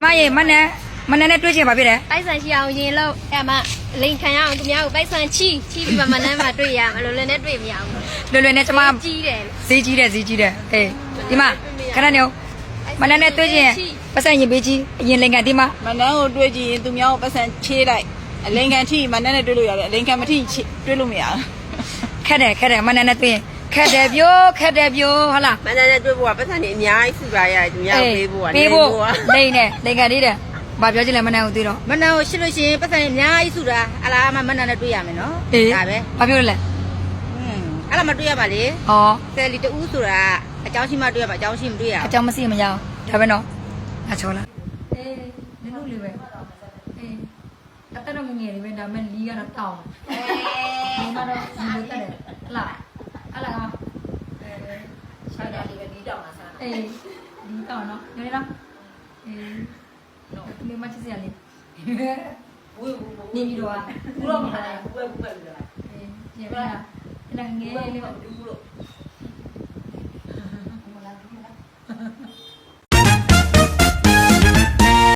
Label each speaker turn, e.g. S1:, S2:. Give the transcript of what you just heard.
S1: ye mana ne tuh siapa beda?
S2: ပိုက်ဆံရှိအောင်ရင်လို့အဲ့မှာလိန်ခံရအောင်သူများကိုပိုက်ဆံချီပြီးမှမနှမ်းမှတွေ့ရမှာလို့လည်းနဲ့တွေ့မရဘူး
S1: Lulu ne cuma
S2: ကြီးတယ်
S1: ziji deh. Di mana? Karena nih, mana ne tuh sih? Pesan ye biji, ye lengkap di mana?
S3: မနန်းကိုတွေ့ကြည့်ရင်သူများကိုပတ်စံချေးလိုက်အလင်ကန်ထိမနန်းနဲ့တွေ့လို့ရတယ်အလင်ကန်မထိတွေ့လို့မရဘူး
S1: Kade, mana ne tuh? Kade bio, hala.
S4: မန္တလေးတွေ့ဖို့ကပတ်စံနေအများကြီးစုပါရတယ်သူများပေးဖို့က
S1: Pebo, lengkap di deh. Bapak aja lah mana itu loh.
S2: မနှမ်းကိုရှစ်လို့ရှိရင်ပတ်စံအများကြီးစုတာအလားမှမနှမ်းနဲ့တွေ့ရမယ်နော်ဒါပဲ
S1: Bapak lah.
S2: အဲ့လားမတွေ့ရပါလေ
S1: Oh,
S2: ဆယ်လီတူးဆိုတာအကြောင်းရှိမှတွေ့ရပါအကြောင်းရှိမတွေ့ရ
S1: kacau masih menjauh. Tapi no, kacau lah. Dulu liwe. Kata dong ngene liwe, damen liya na tau. Mana liwe tadi? Lah, ala kama. Sada liwe di tau masa. Di tau no. Jadi no. No. Ini macam siapa ni? Ni video ah. Belum ada. Ya, mana? Nang ngene liwe.